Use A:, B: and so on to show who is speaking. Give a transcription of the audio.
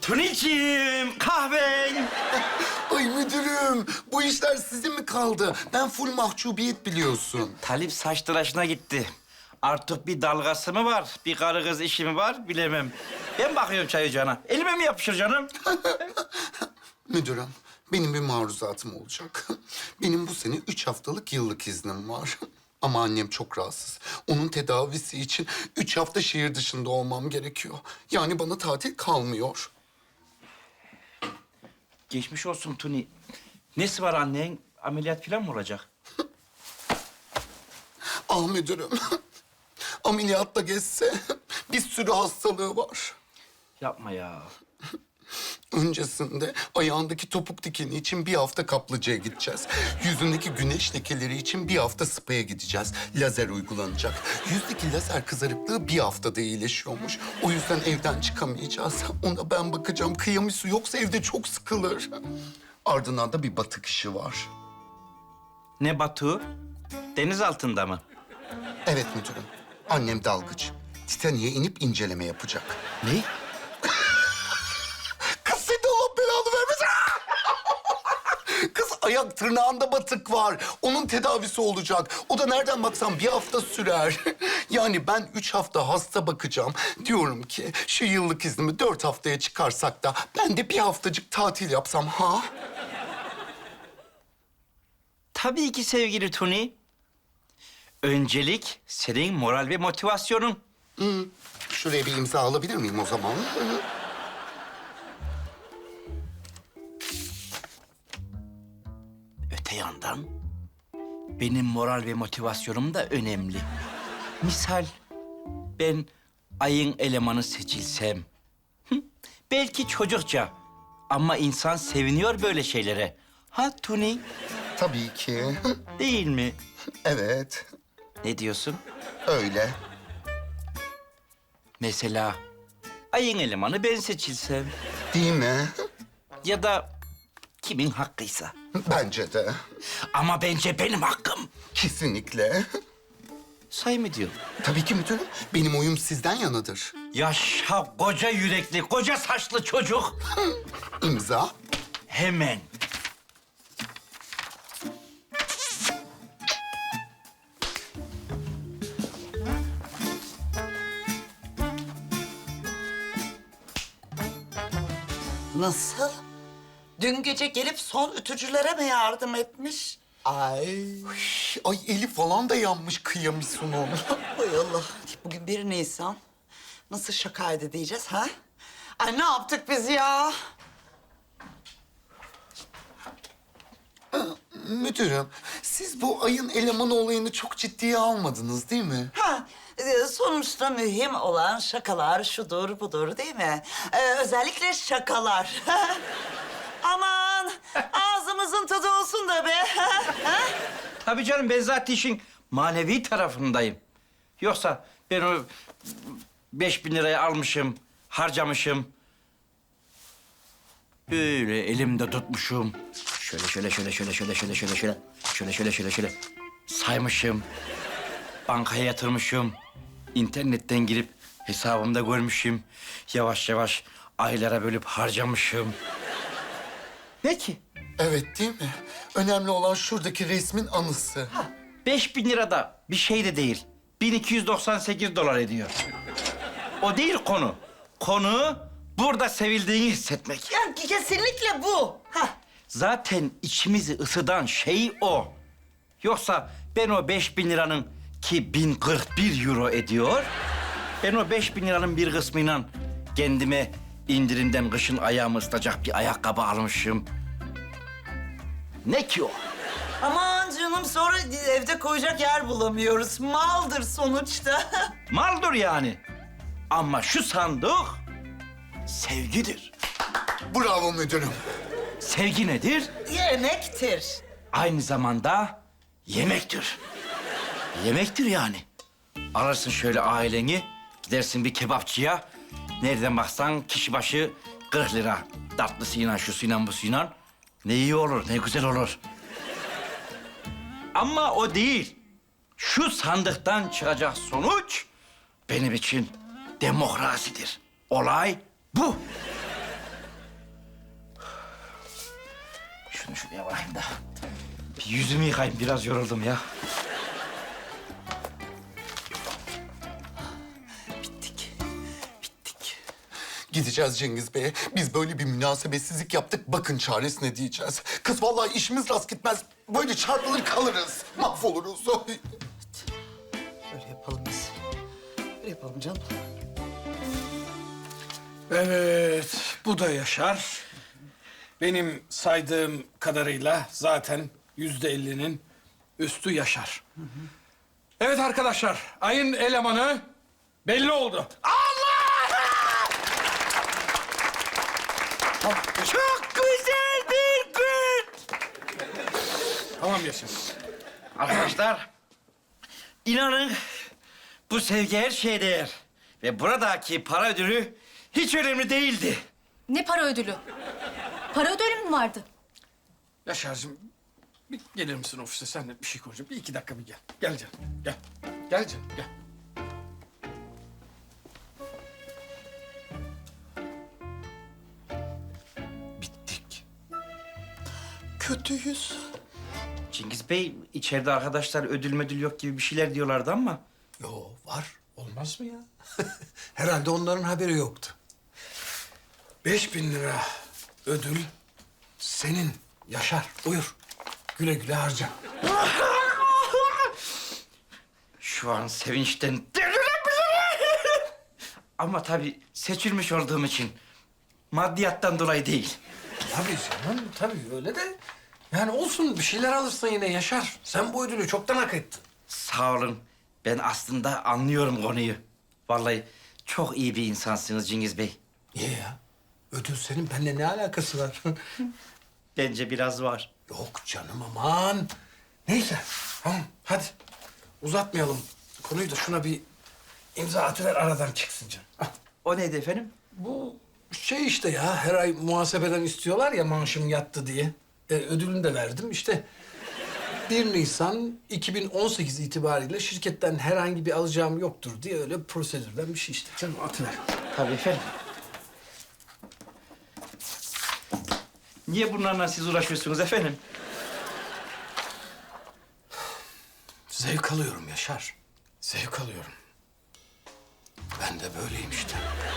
A: Tuniciğim, kahven.
B: Ay müdürüm, bu işler size mi kaldı? Ben full mahcubiyet biliyorsun.
A: Talip saç tıraşına gitti. Artık bir dalgası mı var, bir karı kız işi mi var bilemem. Ben bakıyorum çay ocağına. Elime mi yapışır canım?
B: Müdürüm, benim bir maruzatım olacak. Benim bu sene 3 haftalık yıllık iznim var. Ama annem çok rahatsız. Onun tedavisi için 3 hafta şehir dışında olmam gerekiyor. Yani bana tatil kalmıyor.
A: Geçmiş olsun Tuni. Nesi var annen? Ameliyat falan mı olacak?
B: Ah müdürüm, ameliyatta geçse bir sürü hastalığı var.
A: Yapma ya.
B: Öncesinde ayağındaki topuk dikeni için bir hafta kaplıcaya gideceğiz. Yüzündeki güneş lekeleri için bir hafta spa'ya gideceğiz. Lazer uygulanacak. Yüzdeki lazer kızarıklığı bir haftada iyileşiyormuş. O yüzden evden çıkamayacağız. Ona ben bakacağım. Kıyamısı yoksa evde çok sıkılır. Ardından da bir batık işi var.
A: Ne Batu? Deniz altında mı?
B: Evet müdürüm. Annem dalgıç. Titanik'e inip inceleme yapacak.
A: Ne?
B: Kız sen de Allah belanı vermesin. Kız ayak tırnağında batık var. Onun tedavisi olacak. O da nereden baksan bir hafta sürer. Yani ben 3 hafta hasta bakacağım. Diyorum ki şu yıllık iznimi 4 haftaya çıkarsak da ben de bir haftacık tatil yapsam ha?
A: Tabii ki sevgili Tuni. Öncelik senin moral ve motivasyonun.
B: Şuraya bir imza alabilir miyim o zaman?
A: Öte yandan benim moral ve motivasyonum da önemli. Misal ben ayın elemanı seçilsem. Belki çocukça ama insan seviniyor böyle şeylere. Ha Tuni?
B: Tabii ki.
A: Değil mi?
B: Evet,
A: Ne diyorsun?
B: öyle.
A: Mesela ayın elemanı ben seçilsem
B: Değil mi?
A: ya da kimin hakkıysa.
B: Bence de.
A: Ama bence benim hakkım.
B: Kesinlikle.
A: Say mı diyor?
B: Tabii ki müdürüm. Benim oyum sizden yanadır.
A: Yaşa koca yürekli, koca saçlı çocuk.
B: İmza.
A: Hemen.
C: Nasıl? Dün gece gelip son ütücülere mi yardım etmiş? Ay.
B: Ay eli falan da yanmış kıyamıyorsun onu.
C: Hay Allah. Bugün 1 Nisan. Nasıl şakaydı diyeceğiz ha? Ay ne yaptık biz ya?
B: Müdürüm, siz bu ayın elemanı olayını çok ciddiye almadınız değil mi?
C: Ha, sonuçta mühim olan şakalar şudur budur değil mi? Özellikle şakalar. Aman ağzımızın tadı olsun da be.
A: Tabii canım ben zaten işin manevi tarafındayım. Yoksa ben o 5.000 lirayı almışım, harcamışım. Böyle elimde tutmuşum. Şöyle saymışım. Bankaya yatırmışım. İnternetten girip hesabımda görmüşüm. Yavaş yavaş aylara bölüp harcamışım. Ne ki?
B: Evet değil mi? Önemli olan şuradaki resmin anısı.
A: 5.000 lira da bir şey de değil. 1298 dolar ediyor. O değil konu. Konu burada sevildiğini hissetmek.
C: Ya kesinlikle bu. Ha.
A: Zaten içimizi ısıtan şey o. Yoksa ben o 5.000 liranın ki 1041 euro ediyor. Ben o 5.000 liranın bir kısmıyla kendime indirimden kışın ayağımı ısıtacak bir ayakkabı almışım. Ne ki o?
C: Aman canım sonra evde koyacak yer bulamıyoruz. Maldır sonuçta.
A: Maldır yani. Ama şu sandık sevgidir.
B: Bravo müdürüm.
A: Sevgi nedir?
C: Yemektir.
A: Aynı zamanda yemektir. Yemektir yani. Alırsın şöyle aileni, gidersin bir kebapçıya. Nereden baksan kişi başı 40 lira. Tatlısıyla, şusuyla, busuyla. Ne iyi olur, ne güzel olur. Ama o değil. Şu sandıktan çıkacak sonuç benim için demokrasidir. Olay bu. Şunu şuraya bakayım da. Bir yüzümü yıkayayım, biraz yoruldum ya.
C: Bittik. Bittik.
B: Gideceğiz Cengiz Bey'e. Biz böyle bir münasebetsizlik yaptık. Bakın çaresine diyeceğiz. Kız vallahi işimiz rast gitmez. Böyle çarpılır kalırız. Mahvoluruz. Ay.
C: Öyle yapalım biz. Öyle yapalım canım.
D: Evet, bu da Yaşar. Benim saydığım kadarıyla zaten %50'nin üstü Yaşar. Evet arkadaşlar, ayın elemanı belli oldu.
A: Çok güzel bir gün.
D: Tamam Yaşar.
A: Arkadaşlar, inanın bu sevgi her şeye değer. Ve buradaki para ödülü hiç önemli değildi.
E: Ne para ödülü? Para ödülü mü vardı?
D: Yaşar'cığım bir gelir misin ofise? Seninle bir şey konuşacağım. Bir 2 dakika bir gel. Gel canım, gel. Gel canım, gel.
B: Bittik.
C: Kötüyüz.
A: Cengiz Bey, içeride arkadaşlar ödül müdül yok gibi bir şeyler diyorlardı ama...
F: Yo var. Olmaz mı ya? Herhalde onların haberi yoktu.
D: 5.000 lira ödül senin Yaşar. Buyur. Güle güle harca.
A: Şu an sevinçten deliriyorum. Ama tabii seçilmiş olduğum için maddiyattan dolayı değil.
D: Tabii canım, tabii öyle de. Yani olsun bir şeyler alırsın yine Yaşar. Sen bu ödülü çoktan hak ettin.
A: Sağ olun. Ben aslında anlıyorum konuyu. Vallahi çok iyi bir insansınız Cengiz Bey.
F: Niye ya? Ödül senin benimle ne alakası var?
A: Bence biraz var.
F: Yok canım aman.
D: Neyse, tamam hadi. Uzatmayalım konuyu da şuna bir imza atıver aradan çıksın canım. Ah,
A: O neydi efendim?
D: bu şey işte ya, her ay muhasebeden istiyorlar ya maaşım yattı diye. Ödülünü de verdim işte. 1 Nisan 2018 itibariyle şirketten herhangi bir alacağım yoktur diye öyle prosedürden bir şey işte. Canım atıver.
A: Tabii efendim. Niye bunlarla siz uğraşıyorsunuz efendim?
F: Zevk alıyorum Yaşar.
D: Zevk alıyorum.
F: Ben de böyleyim işte.